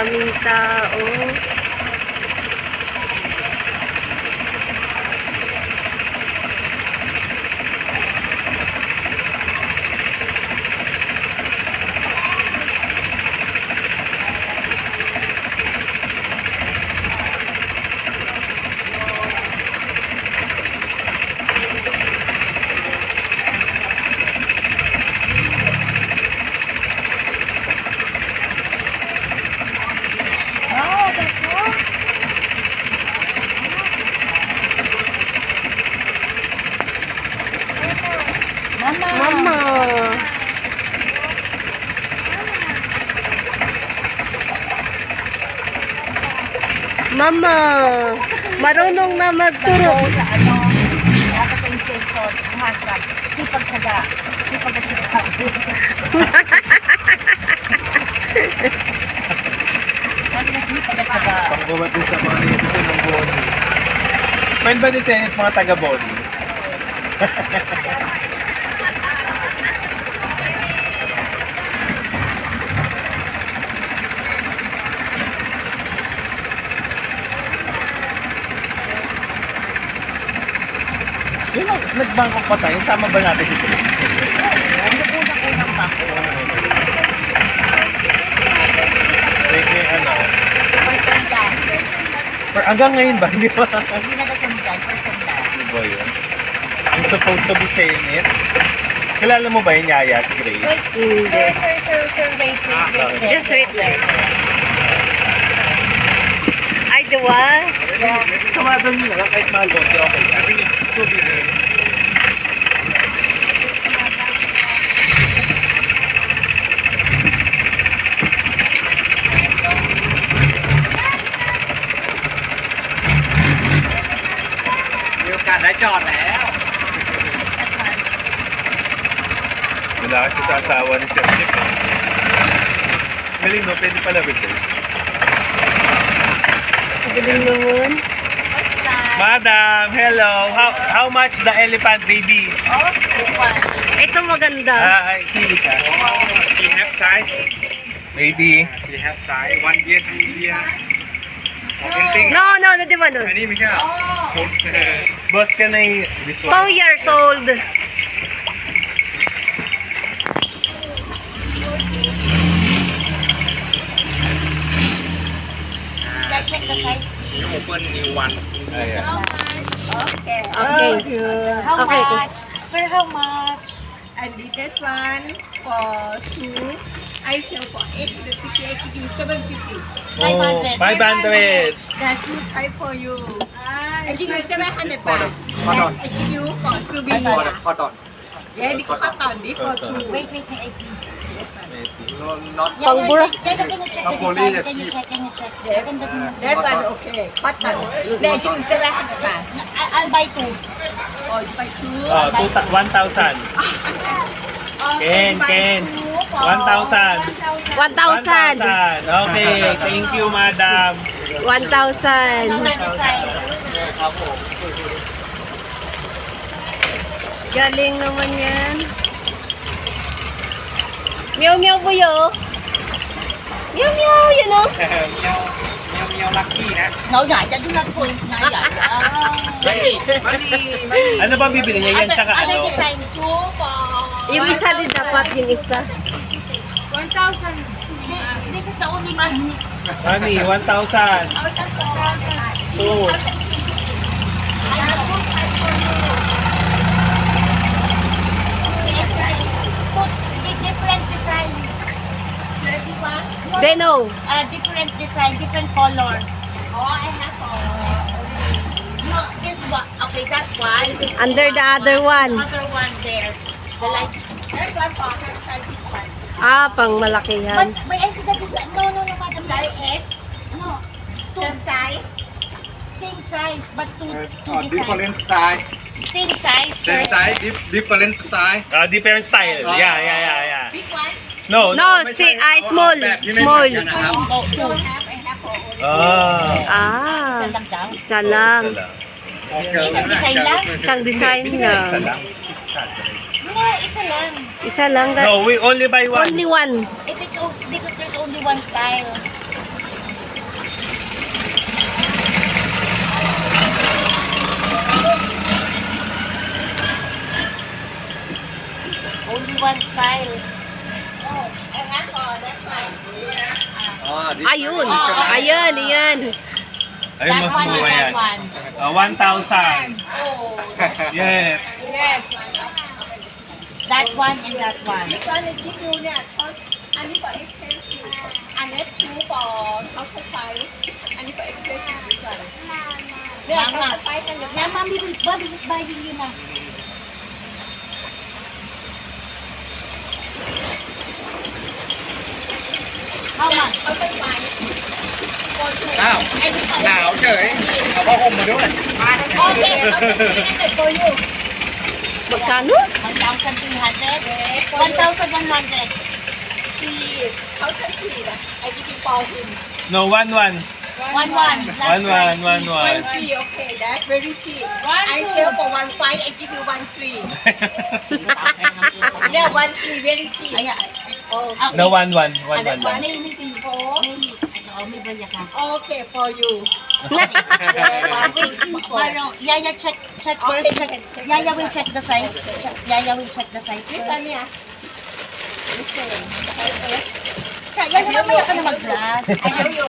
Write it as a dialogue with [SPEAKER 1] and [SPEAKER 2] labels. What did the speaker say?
[SPEAKER 1] daming tao. Mama. Mama. Marunong na magturo.
[SPEAKER 2] Sa nasa train station, mahasap, sipag-tsaga, sipag-tsaga.
[SPEAKER 3] Panggumat din sa mga netizen ng Boni. Pwede ba din sa inyo mga taga-Boni? Yun ang nagbangkok pa tayo, sama ba natin si Chris?
[SPEAKER 2] Ano unang-unang bako?
[SPEAKER 3] May ano?
[SPEAKER 2] First and last.
[SPEAKER 3] Hanggang ngayon ba? Hindi ba?
[SPEAKER 2] Hindi na kasundan, first and last.
[SPEAKER 3] Ano ba yun? I'm supposed to be saying it. Kilala mo ba yung Yaya, si Grace?
[SPEAKER 2] Wait, sir, wait.
[SPEAKER 1] Just wait there. Ay, diwa?
[SPEAKER 3] Kamado nyo lang, kahit mahal doon, okay. Souvenir.มีโอกาสได้จอดแล้ว Wala kasi sa asawa ni Chef Chip. Galing no, pwede pala with this.
[SPEAKER 1] Galing naman.
[SPEAKER 3] Madam, hello. How much the elephant baby?
[SPEAKER 2] Oh, this one.
[SPEAKER 1] Ito maganda.
[SPEAKER 3] Kili siya.
[SPEAKER 4] She have size.
[SPEAKER 3] Baby.
[SPEAKER 4] She have size. 1 year, 2 year.
[SPEAKER 1] No, di ba nun?
[SPEAKER 4] อันนี้ไม่ใช่เหรอ
[SPEAKER 3] Boss ka na this one.
[SPEAKER 1] 2 years old.
[SPEAKER 2] Let's check the size.
[SPEAKER 4] You open new one.
[SPEAKER 3] Ayan.
[SPEAKER 2] Okay.
[SPEAKER 1] Okay.
[SPEAKER 2] How
[SPEAKER 1] Okay.
[SPEAKER 2] much? Sir, how much?
[SPEAKER 5] And this one for 2, I sell for 850, I give you 750.
[SPEAKER 2] 500.
[SPEAKER 3] 500.
[SPEAKER 5] That's good price for you. I give you 700
[SPEAKER 4] For the
[SPEAKER 5] baht.
[SPEAKER 4] cotton.
[SPEAKER 5] I give you for
[SPEAKER 4] For the
[SPEAKER 5] souvenir.
[SPEAKER 4] cotton.
[SPEAKER 5] Yeah, this cotton, this for 2.
[SPEAKER 2] Wait, I see.
[SPEAKER 4] No, not.
[SPEAKER 2] Yeah,
[SPEAKER 1] Pangbura.
[SPEAKER 2] can you check the
[SPEAKER 4] Napoli,
[SPEAKER 2] design?
[SPEAKER 4] let's
[SPEAKER 2] Can you
[SPEAKER 4] see.
[SPEAKER 2] check?
[SPEAKER 5] That's one okay. Cotton. Then I give you 700 baht.
[SPEAKER 2] I'll buy 2.
[SPEAKER 5] Or you buy 2.
[SPEAKER 3] 1,000. Ken. 1,000.
[SPEAKER 1] 1,000.
[SPEAKER 3] Okay, thank you, madam.
[SPEAKER 1] 1,000.
[SPEAKER 2] Design.
[SPEAKER 1] Galing naman yan. Meow meow po yo. Meow meow, yun o.
[SPEAKER 4] เมียวลักกี้นะ
[SPEAKER 2] Nó nhảy ra chúng ta thôi, nhảy nhảy.
[SPEAKER 3] Ano ba bibili niya? Yan tsaka
[SPEAKER 2] Ada
[SPEAKER 3] ano?
[SPEAKER 2] design chú po.
[SPEAKER 1] Yung isa din dapat, yung isa.
[SPEAKER 5] 1,000.
[SPEAKER 2] This is the only one.
[SPEAKER 3] Honey, 1,000. Two.
[SPEAKER 2] Different design.
[SPEAKER 1] They know.
[SPEAKER 2] Different design, different color.
[SPEAKER 5] Oh, I have
[SPEAKER 2] No, this one. Okay, that one.
[SPEAKER 1] Under the other one.
[SPEAKER 2] Other one there. The light.
[SPEAKER 5] That's one for her size, this one.
[SPEAKER 1] Ah, pang malakihan.
[SPEAKER 2] But I see the design. No, madam.
[SPEAKER 5] Size S,
[SPEAKER 2] No.
[SPEAKER 5] same size.
[SPEAKER 2] Same size, but two
[SPEAKER 4] different
[SPEAKER 2] designs.
[SPEAKER 4] size.
[SPEAKER 2] Same size, sir.
[SPEAKER 4] Same size, different style.
[SPEAKER 3] Different style. Yeah.
[SPEAKER 5] Big one.
[SPEAKER 3] No,
[SPEAKER 1] No, see, small. Small.
[SPEAKER 5] Don't have, I have for only.
[SPEAKER 1] Ah,
[SPEAKER 2] Isa lang daw.
[SPEAKER 1] isa lang.
[SPEAKER 2] Isang design lang?
[SPEAKER 1] Isang design
[SPEAKER 3] Isa
[SPEAKER 1] lang.
[SPEAKER 3] lang.
[SPEAKER 2] No, isa lang.
[SPEAKER 1] Isa lang.
[SPEAKER 3] No, we only buy one.
[SPEAKER 1] Only one.
[SPEAKER 2] If it's because there's only one style.
[SPEAKER 1] yun. Ayan, ayan.
[SPEAKER 3] Ayun,
[SPEAKER 2] That
[SPEAKER 3] mas
[SPEAKER 2] one and
[SPEAKER 3] mura
[SPEAKER 2] that
[SPEAKER 3] yan.
[SPEAKER 2] one.
[SPEAKER 3] 1,000.
[SPEAKER 2] Oh.
[SPEAKER 3] Yes.
[SPEAKER 5] Yes.
[SPEAKER 2] That one and that one.
[SPEAKER 5] This one I give you เนี่ย cost อันนี้ for expensive อันนี้ two for thousand five อันนี้ for expensive this one เนี่ย
[SPEAKER 2] Mama.
[SPEAKER 5] thousand five กันเดี๋ยว
[SPEAKER 2] Yeah, mommy is buying you na. How much?
[SPEAKER 5] thousand five for two
[SPEAKER 4] อ้าว
[SPEAKER 5] อันนี้ for
[SPEAKER 4] หนาวเฉย เอาผ้าห่มมาด้วย
[SPEAKER 5] okay thousand for you
[SPEAKER 1] Magkano?
[SPEAKER 2] 1,300. 1,100.
[SPEAKER 5] please thousand three นะ I give you for him
[SPEAKER 3] No, 1-1.
[SPEAKER 2] 1,1. Last price, please.
[SPEAKER 5] 1 free okay that's very cheap I sell for 1,500 I give you 1 free yeah 1 free very cheap
[SPEAKER 2] Ay,
[SPEAKER 5] oh
[SPEAKER 3] No, 1-1. 1-1
[SPEAKER 5] Ano ba?
[SPEAKER 3] lang.
[SPEAKER 2] may tingko. May baya ka.
[SPEAKER 5] okay for you
[SPEAKER 2] Yaya, check first. Yaya will check the size. Yaya will check the size
[SPEAKER 5] this
[SPEAKER 2] first.
[SPEAKER 5] one yeah this one
[SPEAKER 2] Yaya, mamaya ka na mag-vlog.
[SPEAKER 5] ayaw yun